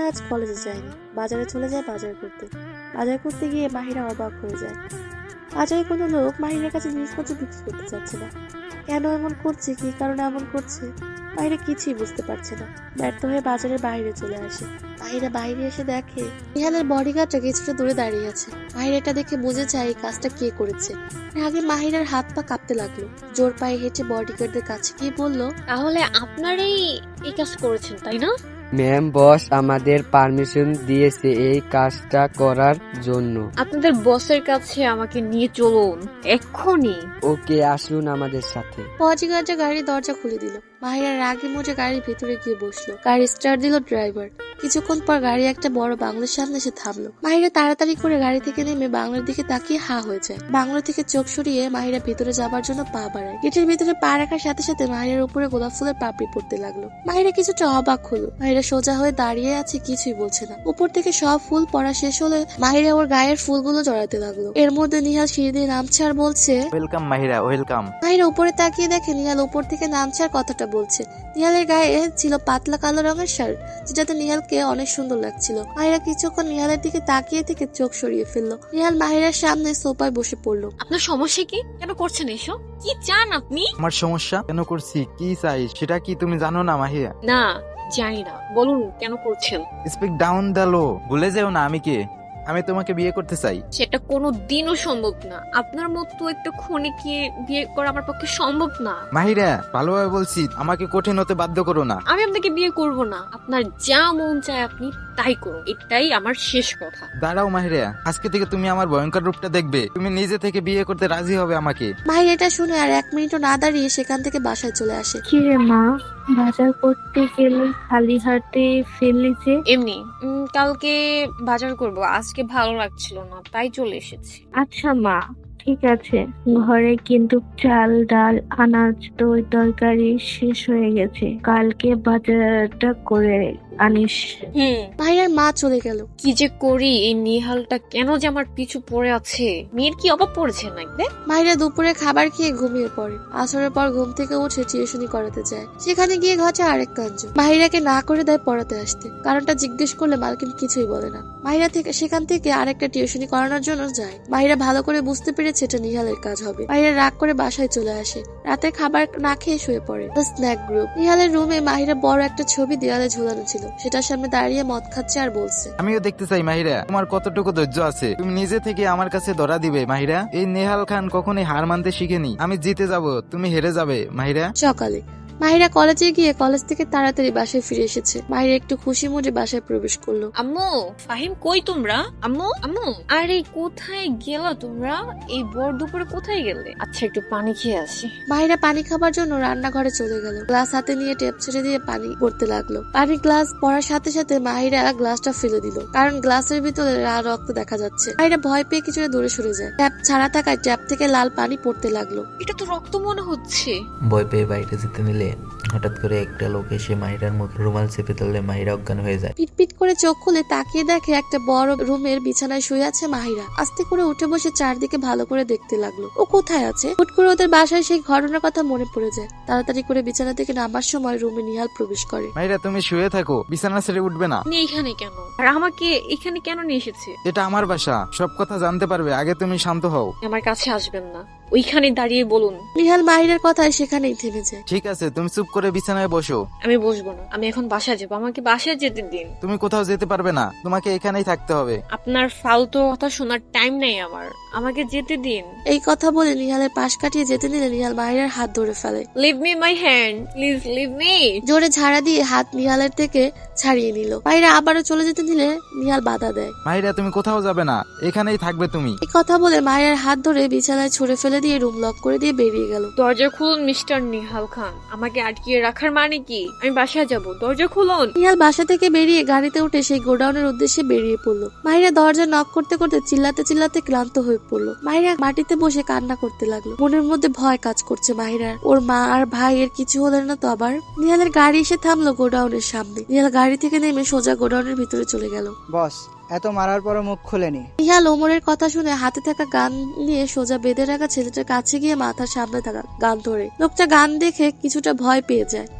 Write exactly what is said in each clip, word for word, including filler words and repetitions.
আজ কলেজে যায়নি, বাজারে চলে যায় বাজার করতে। বাজার করতে গিয়ে মাহিরা অবাক হয়ে যায়। বাজারে কোনো লোক মাহিরার কাছে জিনিসপত্র বিক্রি করতে চাচ্ছে না। কেন এমন করছে, কি কারণে এমন করছে, মাহিরা কিছুই বুঝতে পারছে না। ব্যর্থ হয়ে বাজারের বাইরে চলে আসে। মাহিরা বাইরে এসে দেখে নিহালের বডিগার্ডটা কিছুটা দূরে দাঁড়িয়ে আছে। মাহিরা এটা দেখে বুঝে যায় এই কাজটা কে করেছে। আগে মাহিরার হাত পা কাঁপতে লাগলো। জোর পায়ে হেঁটে বডিগার্ডদের কাছে গিয়ে বলল, তাহলে আপনারাই এই কাজ করেছেন তাই না? ম্যাম, বস আমাদের পারমিশন দিয়েছে এই কাজটা করার জন্য। আপনাদের বসের কাছে আমাকে নিয়ে চলুন এক্ষুনি। ওকে, আসুন আমাদের সাথে। বডিগার্ডরা গাড়ির দরজা খুলে দিল। মাহিরা রাগে মুজে গাড়ির ভেতরে গিয়ে বসলো। গাড়ি স্টার্ট দিল ড্রাইভার। কিছুক্ষণ পর গাড়ি একটা বড় বাংলোর সামনে এসে থামলো। মাহিরা তাড়াতাড়ি করে গাড়ি থেকে নেমে বাংলোর দিকে তাকিয়ে হা হয়ে যায়। বাংলো থেকে চোখ সরিয়ে মাহিরা ভেতরে যাবার জন্য পা বাড়ায়। গেটের ভিতরে পা রাখার সাথে সাথে মাহিরার উপরে গোলাপ ফুলের পাপড়ি পড়তে লাগলো। মাহিরা কিছুটা অবাক হলো। মাহিরা সোজা হয়ে দাঁড়িয়ে আছে, কিছুই বলছে না। উপর থেকে সব ফুল পড়া শেষ হলে মাহিরা ওর গায়ের ফুলগুলো জড়াতে লাগলো। এর মধ্যে নিহাল সিঁড়ি দিয়ে নামছে আর বলছে, ওয়েলকাম মাহিরা, ওয়েলকাম। মাহিরা উপরে তাকিয়ে দেখে নিহাল উপর থেকে নামছে আর কথাটা বলছে। নিহালের গায়ে ছিল পাতলা কালো রঙের শার্ট, যেটাতে নিহালকে অনেক সুন্দর লাগছিল। মাহিরা কিছুক্ষণ নিহালের দিকে তাকিয়ে থেকে চোখ সরিয়ে ফেললো। নিহাল মাহিরার সামনে সোফায় বসে পড়লো। আপনার সমস্যা কি? কেন করছেন এসব? কি চান আপনি? আমার সমস্যা কেন করছি, কি চাই সেটা কি তুমি জানো না মাহিরা? না, জানি না। বলুন কেন করছেন? Speak down the low. ভুলে যেও না আমি কে। আমি তোমাকে বিয়ে করতে চাই। সেটা কোনো দিনও সম্ভব না। আপনার মতো একটা খুনিকে বিয়ে করা আমার পক্ষে সম্ভব না। মাহিরা, ভালোভাবে বলছি, আমাকে কঠিন হতে বাধ্য করো না। আমি আপনাকে বিয়ে করব না। আপনার যা মন চায় আপনি তাই করুন, এটাই আমার শেষ কথা। দাঁড়াও মাহিরা, আজকে থেকে তুমি আমার ভয়ঙ্কর রূপটা দেখবে। তুমি নিজে থেকে বিয়ে করতে রাজি হবে আমাকে। মাহিরা এটা শুনে আর এক মিনিটও না দাঁড়িয়ে সেখান থেকে বাসায় চলে আসে। কিরে মা, বাজার করতে গেলে খালি হাতে ফেললি যে? এমনি উম, কালকে বাজার করব, আজকে ভালো লাগছিল না তাই চলে এসেছি। আচ্ছা মা, ঠিক আছে। ঘরে কিন্তু চাল ডাল আনাজ দই তরকারি শেষ হয়ে গেছে, কালকে বাজারটা করে আনিস। হুম। মাহিরার মা চলে গেল। কি যে করি, এই নিহালটা কেন যে আমার পিছু পড়ে আছে। মেয়ের কি অভাব পড়েছে নাকি? মাহিরা দুপুরে খাবার খেয়ে ঘুমিয়ে পড়ে। আসরের পর ঘুম থেকে উঠে টিউশনি করাতে যায়। সেখানে গিয়ে ঘটে আরেক কাণ্ড। মাহিরাকে না করে দেয় পড়াতে আসতে। কারণটা জিজ্ঞেস করলে মালকিন কিছুই বলে না। মাহিরা থেকে সেখান থেকে আরেকটা টিউশনি করানোর জন্য যায়। মাহিরা ভালো করে বুঝতে পেরেছে এটা নিহালের কাজ হবে। মাহিরা রাগ করে বাসায় চলে আসে। রাতে খাবার না খেয়ে শুয়ে পড়ে। Snack group. নিহালের রুমে মাহিরা বড় একটা ছবি দেওয়ালে ঝুলানো ছিল। সেটার সামনে দাঁড়িয়ে মদ খাচ্ছে আর বলছে, আমিও দেখতে চাই মাহিরা, তোমার কতটুকু ধৈর্য আছে। তুমি নিজে থেকে আমার কাছে ধরা দিবে মাহিরা। এই নেহাল খান কখনোই হার মানতে শিখেনি। আমি জিতে যাব, তুমি হেরে যাবে মাহিরা। সকালে মাহিরা কলেজে গিয়ে কলেজ থেকে তাড়াতাড়ি বাসায় ফিরে এসেছে। মাহিরা একটু খুশি মুডে বাসায় প্রবেশ করলো। আম্মু, ফাহিম কই তোমরা? আম্মু, আম্মু, আরে কোথায় গেলা তোমরা? এই বড় দুপুরে কোথায় গেলে? আচ্ছা, একটু পানি খেয়ে আসি। মাহিরা পানি খাবার জন্য রান্নাঘরে চলে গেল। গ্লাস হাতে নিয়ে ট্যাপ ছেড়ে দিয়ে পানি পড়তে লাগলো। পানি গ্লাস পড়ার সাথে সাথে মাহিরা গ্লাসটা ফেলে দিল, কারণ গ্লাসের ভিতরে লাল রক্ত দেখা যাচ্ছে। মাহিরা ভয় পেয়ে কিছুটা দূরে সরে যায়। ট্যাপ ছাড়া থাকায় ট্যাপ থেকে লাল পানি পড়তে লাগলো। এটা তো রক্ত মনে হচ্ছে। ভয় পেয়ে বাইরে যেতে নিলে হঠাৎ করে একটা লোক এসে মাহিরার মুখে রুমাল চেপে ধরলে মাহিরা অজ্ঞান হয়ে যায়। পিটপিট করে চোখ খুলে তাকিয়ে দেখে একটা বড় রুমের বিছানায় শুয়ে আছে মাহিরা। আস্তে করে উঠে বসে চারদিকে ভালো করে দেখতে লাগলো ও কোথায় আছে। হুট করে ওদের বাসায় সেই ঘটনার কথা মনে পড়ে যায়। তাড়াতাড়ি করে বিছানা থেকে নামার সময় রুমে নিহাল প্রবেশ করে। মাহিরা, তুমি শুয়ে থাকো, বিছানা ছেড়ে উঠবে না। আপনি এখানে কেন? আর আমাকে এখানে কেন নিয়ে এসেছে? এটা আমার বাসা, সব কথা জানতে পারবে। আগে তুমি শান্ত হও। আমার কাছে আসবেন না, ওইখানে দাঁড়িয়ে বলুন। নিহাল মাহিরার কথায় সেখানেই থেমে যায়। ঠিক আছে, তুমি চুপ করে বিছানায় বসো। আমি বসবো না, আমি এখন বাসায় যাবো। আমাকে বাসায় যেতে দিন। তুমি কোথাও যেতে পারবে না, তোমাকে এখানেই থাকতে হবে। আপনার ফালতু কথা শোনার টাইম নেই আমার, আমাকে যেতে দিন। এই কথা বলে নিহালের পাশ কাটিয়ে যেতে নিলে নিহাল মাহিরার হাত ধরে ফেলে। Leave me my hand, please leave me. জোরে ঝাড়া দিয়ে হাত নিহালের থেকে ছাড়িয়ে নিল। মাহিরা আবারও চলে যেতে নিলে নিহাল বাধা দেয়। মাহিরা, তুমি কোথাও যাবে না, এখানেই থাকবে তুমি। এই কথা বলে মাহিরার হাত ধরে বিছানায় ছুঁড়ে ফেলে দিয়ে রুম লক করে দিয়ে বেরিয়ে গেল। দরজা খুলুন মিস্টার নিহাল খান, আমাকে আটকিয়ে রাখার মানে কি? আমি বাসায় যাব, দরজা খুলুন। নিহাল বাসা থেকে বেরিয়ে গাড়িতে উঠে সেই গোডাউনের উদ্দেশ্যে বেরিয়ে পড়লো। মাহিরা দরজা নক করতে করতে চিল্লাতে চিল্লাতে ক্লান্ত হয়ে পড়লো। মাহিরা মাটিতে বসে কান্না করতে লাগলো। মনের মধ্যে ভয় কাজ করছে মাহিরার, ওর মা আর ভাই এর কিছু হলো না তো আবার। নিহালের গাড়ি এসে থামলো গোডাউনের সামনে। নিহাল গাড়ি থেকে নেমে সোজা গোডাউনের ভিতরে চলে গেল। বস, এত মারার পরও মুখ খোলেনি। নিহাল ওমরের কথা শুনে হাতে থাকা গান নিয়ে সোজা বেঁধে রাখা ছেলেটার কাছে গিয়ে মাথার সামনে থাকা গান ধরে। লোকটা গান দেখে কিছুটা ভয় পেয়ে যায়।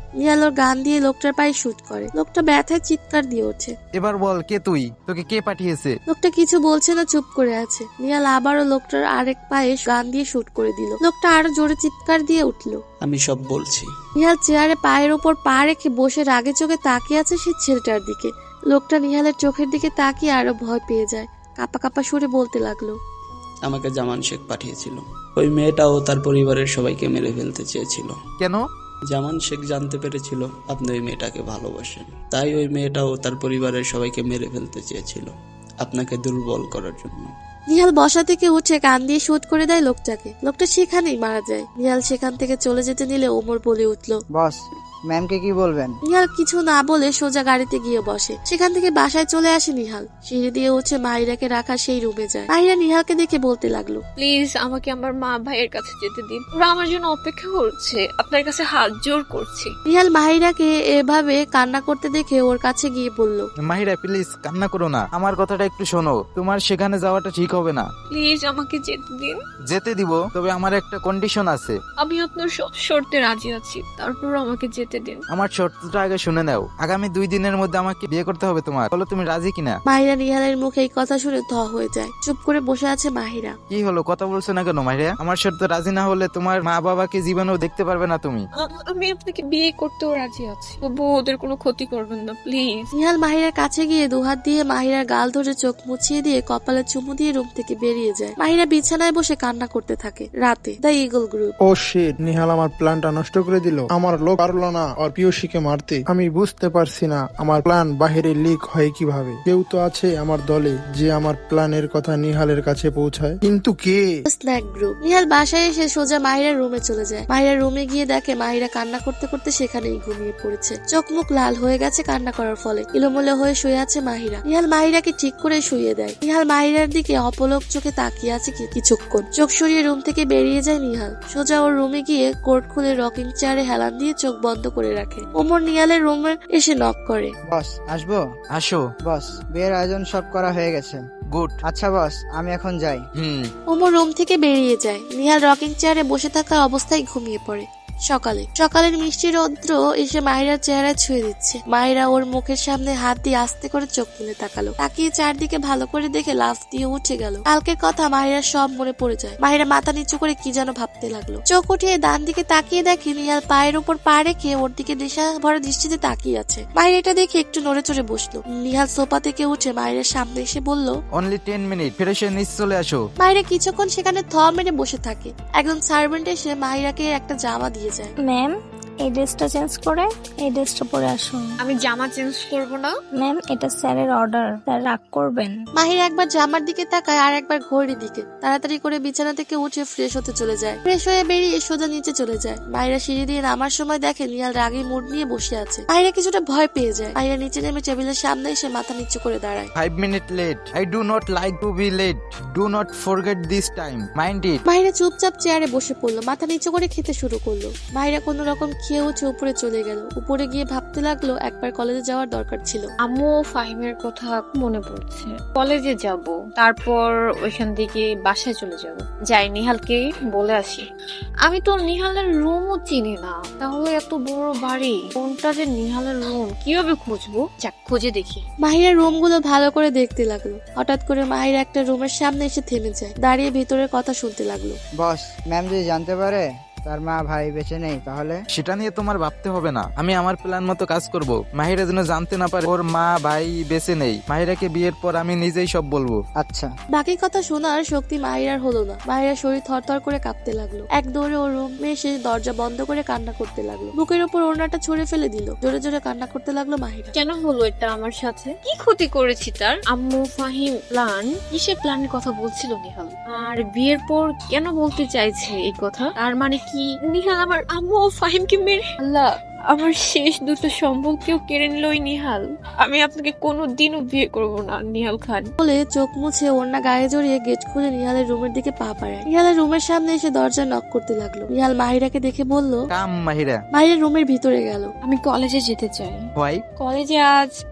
নিহাল ওর গান দিয়ে লোকটার পায়ে শুট করে। লোকটা ব্যথায় চিৎকার দিয়ে ওঠে। এবার বল কে তুই, তোকে কে পাঠিয়েছে? লোকটা কিছু বলছে না, চুপ করে আছে। নিহাল আবারও লোকটার আরেক পায়ে গান দিয়ে শুট করে দিল। লোকটা আরো জোরে চিৎকার দিয়ে উঠলো। আমি সব বলছি। নিহাল চেয়ারে পায়ের উপর পা রেখে বসে রাগে চোখে তাকিয়ে আছে সেই ছেলেটার দিকে। লোকটা নিহালের চোখের দিকে তাকিয়ে আরো ভয় পেয়ে যায়। কাপা কাপা সুরে বলতে লাগলো, আমাকে জামান শেখ পাঠিয়েছিল। ওই মেয়েটাও তার পরিবারের সবাইকে মেরে ফেলতে চেয়েছিল। কেন? জামান শেখ জানতে পেরেছিল আপনি ওই মেয়েটাকে ভালোবাসেন, তাই ওই মেয়েটাও তার পরিবারের সবাইকে মেরে ফেলতে চেয়েছিল আপনাকে দুর্বল করার জন্য। নিহাল বসা থেকে উঠে কান দিয়ে শুট করে দেয় লোকটাকে। লোকটা সেখানেই মারা যায়। নিহাল সেখান থেকে চলে যেতে নিলে ওমর বলে উঠলো, বস, ম্যামকে কি বলবেন? নিহাল কিছু না বলে সোজা গাড়িতে গিয়ে বসে। সেখান থেকে বাসায় চলে আসে নিহাল। সিঁড়ি দিয়ে উঠে মাহিরাকে রাখা সেই রুমে যায়। মাহিরা নিহালকে দেখে বলতে লাগলো, প্লিজ আমাকে আমার মা ভাইয়ের কাছে যেতে দিন, ওরা আমার জন্য অপেক্ষা করছে, আপনার কাছে হাত জোর করছি। নিহাল মাহিরাকে এভাবে কান্না করতে দেখে ওর কাছে গিয়ে বলল, মাহিরা প্লিজ কান্না করো না, আমার কথাটা একটু শোনো। তোমার সেখানে যাওয়াটা ঠিক হবে না। প্লিজ আমাকে যেতে দিন। যেতে দিব, তবে আমার একটা কন্ডিশন আছে। আমি আপনার সব শর্তে রাজি আছি, তারপর আমাকে যেতে দিন। আমার শর্তটা আগে শুনে নাও। আগামী দুই দিনের মধ্যে আমাকে বিয়ে করতে হবে তোমার। বলো তুমি রাজি কিনা? মাহিরা নিহালের মুখে এই কথা শুনে থ হয়ে যায়। চুপ করে বসে আছে মাহিরা। কি হলো, কথা বলছো না কেন মাহিরা? আমার শর্ত রাজি না হলে তোমার মা বাবাকে জীবনেও দেখতে পারবে না তুমি। আ- আমি আপনাকে বিয়ে করতেও রাজি আছি, তবু ওদের কোনো ক্ষতি করবেন না প্লিজ। নিহাল মাহিরার কাছে গিয়ে দুহাত দিয়ে মাহিরার গাল ধরে চোখ মুছিয়ে দিয়ে কপালে চুমু দিয়ে রুম থেকে বেরিয়ে যায়। মাহিরা বিছানায় বসে কান্না করতে থাকে। রাতে the eagle group. Oh shit, Nihal আমার প্ল্যানটা নষ্ট করে দিল। আমার লোক পারলো না ওর পিয়সীকে মারতে। আমি বুঝতে পারছি না আমার প্ল্যান বাহিরে লিক হয় কিভাবে। কেউ তো আছে আমার দলে যে আমার প্ল্যানের কথা নিহালের কাছে পৌঁছায়, কিন্তু কে? Snack group. নিহাল বাসায় এসে সোজা মাহিরার রুমে চলে যায়। মাহিরার রুমে গিয়ে দেখে মাহিরা কান্না করতে করতে সেখানেই ঘুমিয়ে পড়েছে। চোখ মুখ লাল হয়ে গেছে কান্না করার ফলে। ইলোমুলো হয়ে শুয়ে আছে মাহিরা। নিহাল মাহিরাকে ঠিক করে শুয়ে দেয়। নিহাল মাহিরার দিকে অপলক চোখে তাকিয়ে আছে কি- কিছুক্ষণ। চোখ সরিয়ে রুম থেকে বেরিয়ে যায় নিহাল। সোজা ওর রুমে গিয়ে কোট খুলে রকিং চেয়ারে হেলান দিয়ে চোখ বন্ধ করে রাখে। ওমর নিহালের রুমে এসে নক করে। বস, আসবো? আসো। বস, বিয়ের আয়োজন সব করা হয়ে গেছে। গুড। আচ্ছা বস, আমি এখন যাই। হুম। ওমর রুম থেকে বেরিয়ে যায়। নিহাল রকিং চেয়ারে বসে থাকা অবস্থায় ঘুমিয়ে পড়ে। সকালে সকালের মিষ্টি রৌদ্র এসে মাহিরার চেহারায় ছুঁয়ে দিচ্ছে। মাহিরা ওর মুখের সামনে হাত দিয়ে আস্তে করে চোখ তুলে তাকালো। তাকিয়ে চারদিকে ভালো করে দেখে লাফ দিয়ে উঠে গেল। কালকের কথা মাহিরার সব মনে পড়ে যায়। মাহিরা মাথা নিচু করে কি যেন ভাবতে লাগলো। চোখ উঠিয়ে ডান দিকে তাকিয়ে দেখে নিহাল পায়ের উপর পা রেখে ওর দিকে নেশা ভরা দৃষ্টিতে তাকিয়ে আছে। মাহিরা এটা দেখে একটু নড়ে চড়ে বসলো। নিহাল সোফা থেকে উঠে মাহিরার সামনে এসে বলল, অনলি টেন মিনিট, ফিরে এসে নিচ চলে আসো। মাহিরা কিছুক্ষণ সেখানে থ মেরে বসে থাকে। একজন সার্ভেন্ট এসে মাহিরাকে একটা জামা দিয়ে যায়। ম্যাম, এই ড্রেসটা চেঞ্জ করে এই ড্রেসটা পরে আসুন। আমি জামা চেঞ্জ করব না। ম্যাম, এটা স্যারের অর্ডার, স্যার রাগ করবেন। মাহিরা একবার জামার দিকে তাকায় আর একবার ঘড়ির দিকে। তাড়াতাড়ি করে বিছানা থেকে উঠে ফ্রেশ হতে চলে যায়। ফ্রেশ হয়ে বেরিয়ে সোজা নিচে চলে যায়। মাহিরা সিঁড়ি দিয়ে নামার সময় দেখে নিহাল রাগী মুড নিয়ে বসে আছে। মাহিরা কিছুটা ভয় পেয়ে যায়। মাহিরা নিচে নেমে টেবিলের সামনে এসে মাথা নিচু করে দাঁড়ায়। Five minute late. I do not like to be late. Do not forget this time. Mind it. Mahira চুপচাপ চেয়ারে বসে পড়লো। মাথা নিচু করে খেতে শুরু করলো। মাহিরা কোনো রকম খেয়ে উঠে উপরে চলে গেল। উপরে গিয়ে ভাবতে লাগলো একবার কলেজে যাওয়ার দরকার ছিল। আম্মু ফাহিমের কথা মনে পড়ছে। কলেজে যাব, তারপর ওইখান থেকে বাসায় চলে যাব। যাই নিহালকে বলে আসি। আমি তো নিহালের রুমও চিনি না, তাহলে এত বড় বাড়ি, কোনটা যে নিহালের রুম কিভাবে খুঁজবো? যাক, খুঁজে দেখি। মাহিরা রুম গুলো ভালো করে দেখতে লাগলো। হঠাৎ করে মাহিরা একটা রুমের সামনে এসে থেমে যায়। দাঁড়িয়ে ভিতরের কথা শুনতে লাগলো। বস, ম্যাম যদি জানতে পারে তার মা ভাই বেঁচে নেই তাহলে? সেটা নিয়ে তোমার ভাবতে হবে না। আমি আমার প্ল্যান মতো কাজ করব। মাহিরা যেন জানতে না পারে ওর মা ভাই বেঁচে নেই। মাহিরাকে বিয়ের পর আমি নিজেই সব বলবো। আচ্ছা। বাকি কথা শোনার শক্তি মাহিরার হলো না। মাহিরার শরীর থরথর করে কাঁপতে লাগলো। এক দৌড়ে ওর রুমে এসে দরজা বন্ধ করে কান্না করতে লাগলো। বুকের উপর ওড়নাটা ছুঁড়ে ফেলে দিল। জোরে জোরে কান্না করতে লাগলো মাহিরা। কেন হলো এটা আমার সাথে? কি ক্ষতি করেছি তার? আম্মু ফাহিম প্ল্যান, কিসের প্ল্যানের কথা বলছিল নিহাল? আর বিয়ের পর কেন বলতে চাইছে এই কথা? তার মানে কি নিহাল আমার আম্মু ও ফাহিমকে মেরে? আল্লাহ, আমার শেষ দুটো সম্পর্কেও কেড়ে নিল ওই নিহাল। আমি আপনাকে কোনো দিনও বিয়ে করব না নিহাল খান। বলে চোখ মুছে ওড়না গায়ে জড়িয়ে গেট খুলে নিহালের রুমের দিকে পা বাড়ায়। নিহালের রুমের সামনে এসে দরজা নক করতে লাগলো। নিহাল মাহিরাকে দেখে বলল, কাম মাহিরা। মাহিরা রুমের ভিতরে গেল। আমি কলেজে যেতে চাই। হোয়াই? কলেজে আজ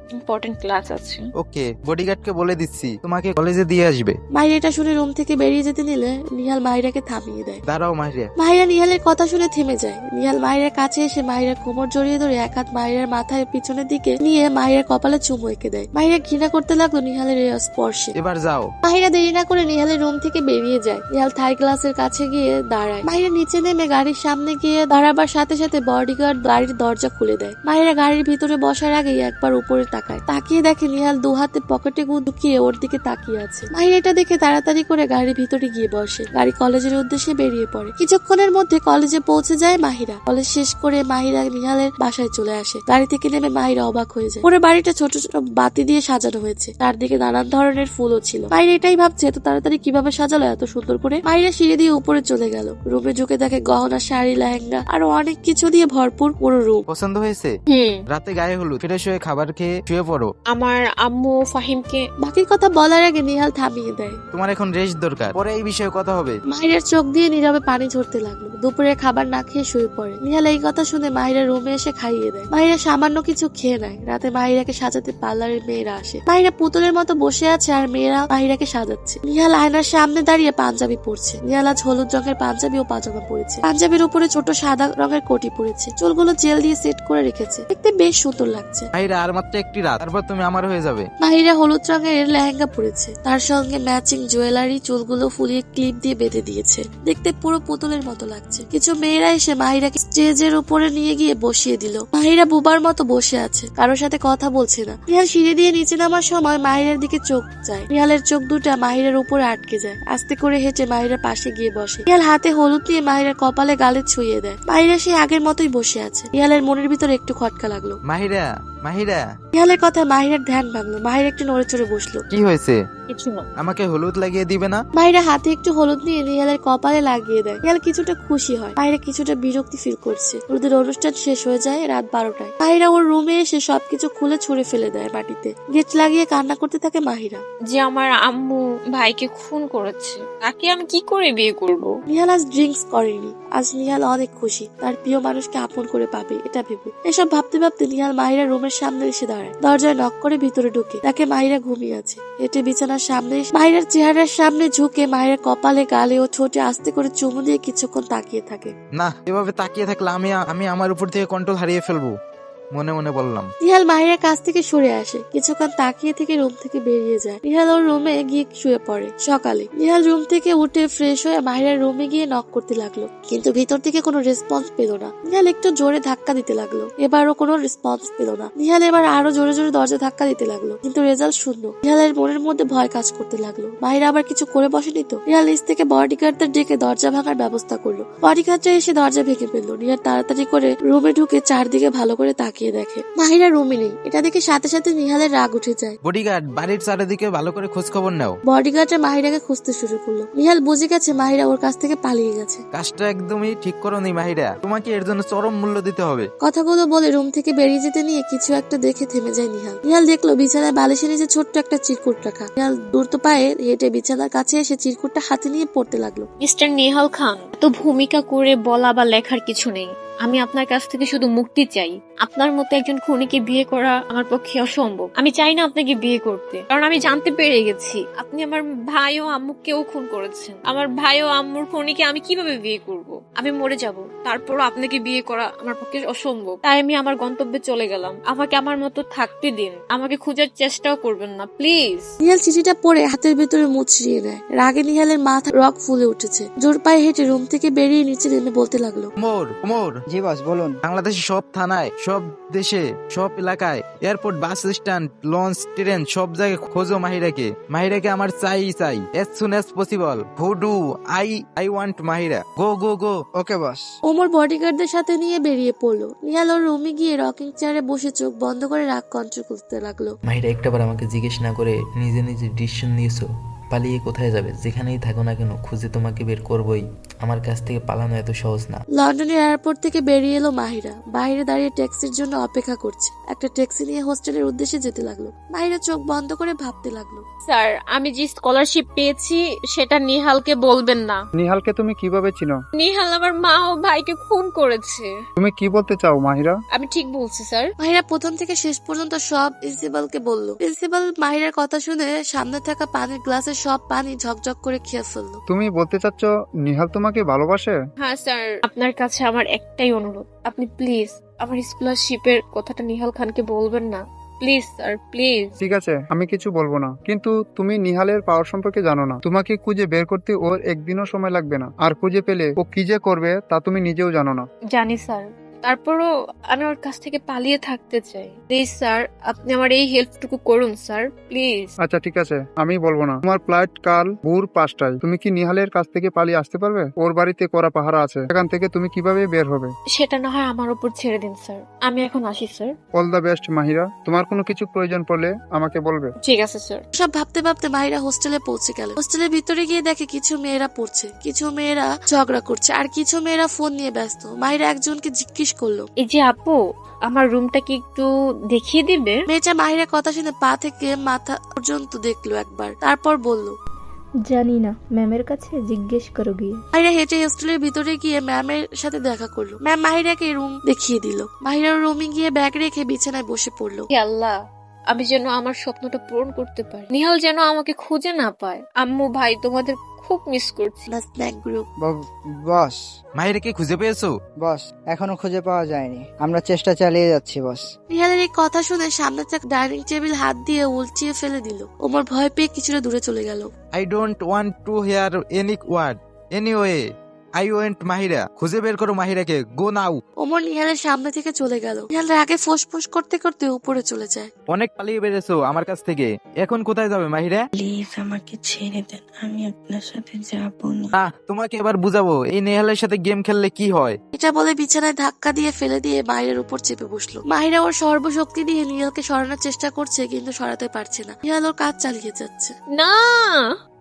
ইম্পর্টেন্ট ক্লাস আছে। ওকে, বডিগার্ডকে বলে দিচ্ছি তোমাকে কলেজে দিয়ে আসবে। মাহিরা এটা শুনে রুম থেকে বেরিয়ে যেতে নিলে নিহাল মাহিরাকে থামিয়ে দেয়। দাঁড়াও মাহিরা। মাহিরা নিহালের কথা শুনে থেমে যায়। নিহাল মাহিরার কাছে এসে মাহিরার কোমর জড়িয়ে ধরে এক হাত মাহিরার মাথায় পিছনের দিকে নিয়ে মাহিরার কপালে চুমু এঁকে দেয়। মাহিরা ঘৃণা করতে লাগলো নিহালের এই স্পর্শে। এবার যাও। মাহিরা দেরি না করে নিহালের রুম থেকে বেরিয়ে যায়। নিহাল থাই গ্লাসের কাছে গিয়ে দাঁড়ায়। মাহিরা নিচে নেমে গাড়ির সামনে গিয়ে দাঁড়াবার সাথে সাথে বডিগার্ড গাড়ির দরজা খুলে দেয়। মাহিরা গাড়ির ভিতরে বসার আগেই একবার উপরে তাকায়। তাকিয়ে দেখে নিহাল দু হাতে পকেটে ঢুকিয়ে ওর দিকে তাকিয়ে আছে। মাহিরা এটা দেখে তাড়াতাড়ি করে গাড়ির ভিতরে গিয়ে বসে। গাড়ি কলেজের উদ্দেশ্যে বেরিয়ে পড়ে। কিছুক্ষণের মধ্যে কলেজে পৌঁছে যায় মাহিরা। কলেজ শেষ করে মাহিরা নিহালের বাসায় চলে আসে। গাড়ি থেকে নেমে মাহিরা অবাক হয়ে যায়। পুরো বাড়িটা ছোট ছোট বাতি দিয়ে সাজানো হয়েছে। চারদিকে নানান ধরনের ফুলও ছিল। মাহিরা এটাই ভাবছে এত তাড়াতাড়ি কিভাবে সাজালো এত সুন্দর করে। মাহিরা সিঁড়ি দিয়ে উপরে চলে গেল। রুমে ঢুকে দেখে গহনা, শাড়ি, লেহেঙ্গা আরো অনেক কিছু দিয়ে ভরপুর পুরো রুম। পছন্দ হয়েছে? হুম। রাতে গায়ে হলুদ, ফ্রেশ হয়ে খাবার খেয়ে শুয়ে পড়ো। আমার আম্মু ফাহিমকে। বাকি কথা বলার আগে নিহাল থামিয়ে দেয়। তোমার এখন রেস্ট দরকার, পরে এই বিষয়ে কথা হবে। মাহিরার চোখ দিয়ে নীরবে পানি ঝরতে লাগলো। দুপুরে খাবার না খেয়ে শুয়ে পড়ে। নিহাল এই কথা শুনে মাহিরা রুমে এসে খাইয়ে দেয়। মাহিরা সামান্য কিছু খেয়ে নেয়। রাতে মাহিরাকে সাজাতে পার্লারের মেয়েরা আসে। মাহিরা পুতুলের মতো বসে আছে আর মেয়েরা মাহিরাকে সাজাচ্ছে। নিহাল আয়নার সামনে দাঁড়িয়ে পাঞ্জাবি পরছে। নিহাল আজ হলুদ রঙের পাঞ্জাবি ও পাজামা পরেছে। পাঞ্জাবির উপরে ছোট সাদা রঙের কোটি পরেছে। চুলগুলো জেল দিয়ে সেট করে রেখেছে। দেখতে বেশ সুন্দর লাগছে। মাহিরা, আর মাত্র একটি রাত, তারপর তুমি আমার হয়ে যাবে। মাহিরা হলুদ রঙের লেহেঙ্গা পরেছে। তার সঙ্গে ম্যাচিং জুয়েলারি, চুলগুলো ফুলিয়ে ক্লিপ দিয়ে বেঁধে দিয়েছে। দেখতে পুরো পুতুলের মতো লাগছে। কিছু মেয়েরা এসে মাহিরাকে স্টেজের উপরে নিয়ে গিয়ে বসিয়ে দিল। মাহিরা বুবার মতো বসে আছে, কারোর সাথে কথা বলছে না। নিহাল সিঁড়ি দিয়ে নিচে নামার সময় মাহিরার দিকে চোখ যায়। নিহালের চোখ দুটা মাহিরার উপরে আটকে যায়। আস্তে করে হেঁটে মাহিরার পাশে গিয়ে বসে। নিহাল হাতে হলুদ নিয়ে মাহিরার কপালে গালে ছুঁয়ে দেয়। মাহিরা সে আগের মতোই বসে আছে। নিহালের মনের ভিতরে একটু খটকা লাগলো। মাহিরা, মাহিরা। নিহালের কথা মাহিরার ধ্যান ভাঙলো। মাহিরা একটু নড়ে চড়ে বসলো। কি হয়েছে? কিছু না। আমাকে হলুদ লাগিয়ে দিবে না? মাহিরা হাতে একটু হলুদ নিয়ে নিহালের কপালে লাগিয়ে দেয়। নিহাল কিছুটা খুশি হয়। মাহিরা কিছুটা বিরক্তি ফিল করছে। হলুদের অনুষ্ঠান শেষ হয়ে যায় রাত বারোটায়। মাহিরা ওর রুমে এসে সবকিছু খুলে ছুঁড়ে ফেলে দেয় মাটিতে। গেট লাগিয়ে কান্না করতে থাকে মাহিরা। যে আমার আম্মু ভাইকে খুন করেছে, তাকে আমি কি করে বিয়ে করব? নিহাল আজ ড্রিঙ্কস করেনি। আজ নিহাল অনেক খুশি, তার প্রিয় মানুষকে আপন করে পাবে এটা ভেবে। এসব ভাবতে ভাবতে নিহাল মাহিরা রুমের সামনে এসে দাঁড়ায়। দরজায় নক করে ভিতরে ঢুকে তাকে মাহিরা ঘুমিয়ে আছে। হেঁটে বিছানার সামনে মাহিরার চেহারার সামনে ঝুঁকে মাহিরার কপালে, গালে ও ঠোঁটে আস্তে করে চুমু দিয়ে কিছুক্ষণ তাকিয়ে থাকে। না, এভাবে তাকিয়ে থাকলে আমি আমি আমার উপর থেকে কন্ট্রোল হারিয়ে ফেলবো, মনে মনে বললাম। নিহাল মাহিরার কাছ থেকে সরে আসে। কিছুক্ষণ তাকিয়ে থেকে রুম থেকে বেরিয়ে যায়। নিহাল ওর রুমে গিয়ে শুয়ে পড়ে। সকালে নিহাল রুম থেকে উঠে ফ্রেশ হয়ে মাহিরার রুমে গিয়ে নক করতে লাগলো, কিন্তু ভিতর থেকে কোনো রেসপন্স পেল না। নিহাল একটু জোরে ধাক্কা দিতে লাগলো। এবারও কোনো রেসপন্স পেল না। নিহাল এবার আরো জোরে জোরে দরজা ধাক্কা দিতে লাগলো, কিন্তু রেজাল্ট শূন্য। নিহালের মনের মধ্যে ভয় কাজ করতে লাগলো। মাহিরা আবার কিছু করে বসেনি তো। নিহাল নিচ থেকে বডিগার্ডদের ডেকে দরজা ভাঙার ব্যবস্থা করলো। বডিগার্ডরা এসে দরজা ভেঙে ফেললো। নিহাল তাড়াতাড়ি করে রুমে ঢুকে চারদিকে ভালো করে তাকিয়ে দেখে মাহিরা রুমে নেই। এটা দেখে সাথে সাথে নিহালের রাগ উঠে যায়। বডিগার্ড, বাড়ির চারিদিকে ভালো করে খোঁজ খবর নাও। বডিগার্ডরা মাহিরাকে খুঁজতে শুরু করলো। নিহাল বুঝে গেছে মাহিরা ওর কাছ থেকে পালিয়ে গেছে। কাজটা একদমই ঠিক করোনি মাহিরা, তোমাকে এর জন্য চরম মূল্য দিতে হবে। কথাগুলো বলে রুম থেকে বেরিয়ে যেতে নিয়ে কিছু একটা দেখে থেমে যায় নিহাল। নিহাল দেখলো বিছানায় বালিশের নিচে ছোট্ট একটা চিরকুট রাখা। নিহাল দ্রুত পায়ে হেঁটে বিছানার কাছে এসে চিরকুটটা হাতে নিয়ে পড়তে লাগলো। মিস্টার নিহাল খান, এত ভূমিকা করে বলা বা লেখার কিছু নেই। আমি আপনার কাছ থেকে শুধু মুক্তি চাই। আপনার মতো একজন খুনিকে বিয়ে করা আমার পক্ষে অসম্ভব। আমি চাই না আপনাকে বিয়ে করতে, কারণ আমি জানতে পেরে গেছি আপনি আমার ভাই ও আম্মুকেও খুন করেছেন। আমার ভাই ও আম্মুর খুনিকে আমি কিভাবে বিয়ে করব? আমি মরে যাব, তারপরও আপনাকে বিয়ে করা আমার পক্ষে অসম্ভব। তাই আমি আমার গন্তব্যে চলে গেলাম। আমাকে আমার মতো থাকতে দিন, আমাকে খোঁজার চেষ্টাও করবেন না প্লিজ। নিহাল চিঠিটা পড়ে হাতের ভিতরে মুচড়িয়ে নেয়। রাগে নিহালের মাথা রক ফুলে উঠেছে। জোর পায়ে হেঁটে রুম থেকে বেরিয়ে নিচে নেমে বলতে লাগলো, মোর মোর জি বস বলুন। বাংলাদেশের সব থানায়, সব দেশে, সব এলাকায়, airport, bus stand, launch, train, সব জায়গায় খোঁজো মাহিরাকে। মাহিরাকে আমার চাই চাই as soon as possible. Who do I I want Mahira. Go go go. Okay boss. Omar বডিগার্ডদের সাথে নিয়ে বেরিয়ে পড়লো। নিহাল ওর রুমে গিয়ে রকিং চেয়ারে বসে চোখ বন্ধ করে রাগ কন্ট্রোল করতে লাগলো। মাহিরা একটাবার আমাকে জিজ্ঞেস না করে নিজে নিজে ডিসিশন নিয়েছো, পালিয়ে কোথায় যাবে? যেখানেই থাকো না কেন খুঁজে তোমাকে বের করবই। আমার কাছ থেকে পালানো এত সহজ না। লন্ডনের এয়ারপোর্ট থেকে বেরিয়ে এলো মাহিরা। বাইরে দাঁড়িয়ে ট্যাক্সির জন্য অপেক্ষা করছে। একটা ট্যাক্সি নিয়ে হোস্টেলের উদ্দেশ্যে যেতে লাগলো। মাহিরা চোখ বন্ধ করে ভাবতে লাগলো। স্যার, আমি যে স্কলারশিপ পেয়েছি সেটা নিহালকে বলবেন না। নিহালকে তুমি কিভাবে চিনো? নিহাল আমার মা ও ভাইকে খুন করেছে। তুমি কি বলতে চাও মাহিরা? আমি ঠিক বলছি স্যার। মাহিরা প্রথম থেকে শেষ পর্যন্ত সব প্রিন্সিপালকে বলল। প্রিন্সিপাল মাহিরার কথা শুনে সামনে থাকা পানির গ্লাসের সব পানি ঝকঝক করে খেয়ে ফেললো। তুমি বলতে চাচ্ছ নিহাল তোমাকে ভালোবাসে? হ্যাঁ স্যার, আপনার কাছে আমার একটাই অনুরোধ, আপনি প্লিজ আমার স্কলারশিপের কথাটা নিহাল খানকে বলবেন না। Please sir, please. ঠিক আছে, আমি কিছু বলবো না, কিন্তু তুমি নিহালের পাওয়ার সম্পর্কে জানো না। তোমাকে খুঁজে বের করতে ওর একদিনও সময় লাগবে না, আর খুঁজে পেলে ও কি যে করবে তা তুমি নিজেও জানো না। জানি স্যার, তারপরও আমি ওর কাছ থেকে পালিয়ে থাকতে চাই। প্লিজ স্যার, আপনি আমার এই হেল্পটুকু করুন স্যার, প্লিজ। আচ্ছা ঠিক আছে, আমি বলবো না। তোমার ফ্লাইট কাল ভোর পাঁচটায়। তুমি কি নিহালের কাছ থেকে পালিয়ে আসতে পারবে? ওর বাড়িতে করা পাহারা আছে, সেখান থেকে তুমি কিভাবে বের হবে? সেটা না হয় আমার উপর ছেড়ে দিন স্যার, আমি এখন আসি sir. All the best Mahira, তোমার কোনো কিছু প্রয়োজন পড়লে আমাকে বলবে। ঠিক আছে স্যার। সব ভাবতে ভাবতে মাহিরা হোস্টেলে পৌঁছে গেল। হোস্টেলের ভিতরে গিয়ে দেখে কিছু মেয়েরা পড়ছে, কিছু মেয়েরা ঝগড়া করছে, আর কিছু মেয়েরা ফোন নিয়ে ব্যস্ত। মাহিরা একজনকে জিজ্ঞেস করলো, এই যে আপু, আমার রুমটা কি একটু দেখিয়ে দিবে? মেয়েটা মাহিরার কথা শুনে পা থেকে মাথা পর্যন্ত দেখলো একবার, তারপর বলল, জানি না, ম্যামের কাছে জিজ্ঞেস করো গিয়ে। মাহিরা হেঁটে হোস্টেলের ভিতরে গিয়ে ম্যামের সাথে দেখা করলো। ম্যাম মাহিরাকে রুম দেখিয়ে দিল। মাহিরার রুমে গিয়ে ব্যাগ রেখে বিছানায় বসে পড়লো। হে আল্লাহ, আমি যেন আমার স্বপ্নটা পূরণ করতে পারি। নিহাল যেন আমাকে খুঁজে না পায়। আম্মু, ভাই, তোমাদের খুব মিস করছি। Snack group. বস মাহিরাকে খুঁজে পেয়েছো? বস এখনো খুঁজে পাওয়া যায়নি, আমরা চেষ্টা চালিয়ে যাচ্ছি বস। নিহালের এই কথা শুনে সামনে থাকা ডাইনিং টেবিল হাত দিয়ে উল্টিয়ে ফেলে দিল। ওমর ভয় পেয়ে কিছুটা দূরে চলে গেল। I don't want to hear any word anyway I went Mahira. খুঁজে বের করো মাহিরাকে, গো নাও। ওমর নিহালের সামনে থেকে চলে গেল। নিহাল রাগে ফোঁস করতে করতে উপরে চলে যায়। অনেক পালিয়ে বেড়েছো আমার কাছ থেকে, এখন কোথায় যাবে মাহিরা? প্লিজ আমাকে ছেড়ে দেন, আমি আপনার সাথে যাবো না। আহ তোমাকে এবার বুঝাবো এই নেহালের সাথে গেম খেললে কি হয়। এটা বলে বিছানায় ধাক্কা দিয়ে ফেলে দিয়ে মাহিরার উপর চেপে বসলো। মাহিরা ওর সর্বশক্তি দিয়ে নিহালকে সরানোর চেষ্টা করছে, কিন্তু সরাতে পারছে না। নিহাল ওর কাজ চালিয়ে যাচ্ছে। না,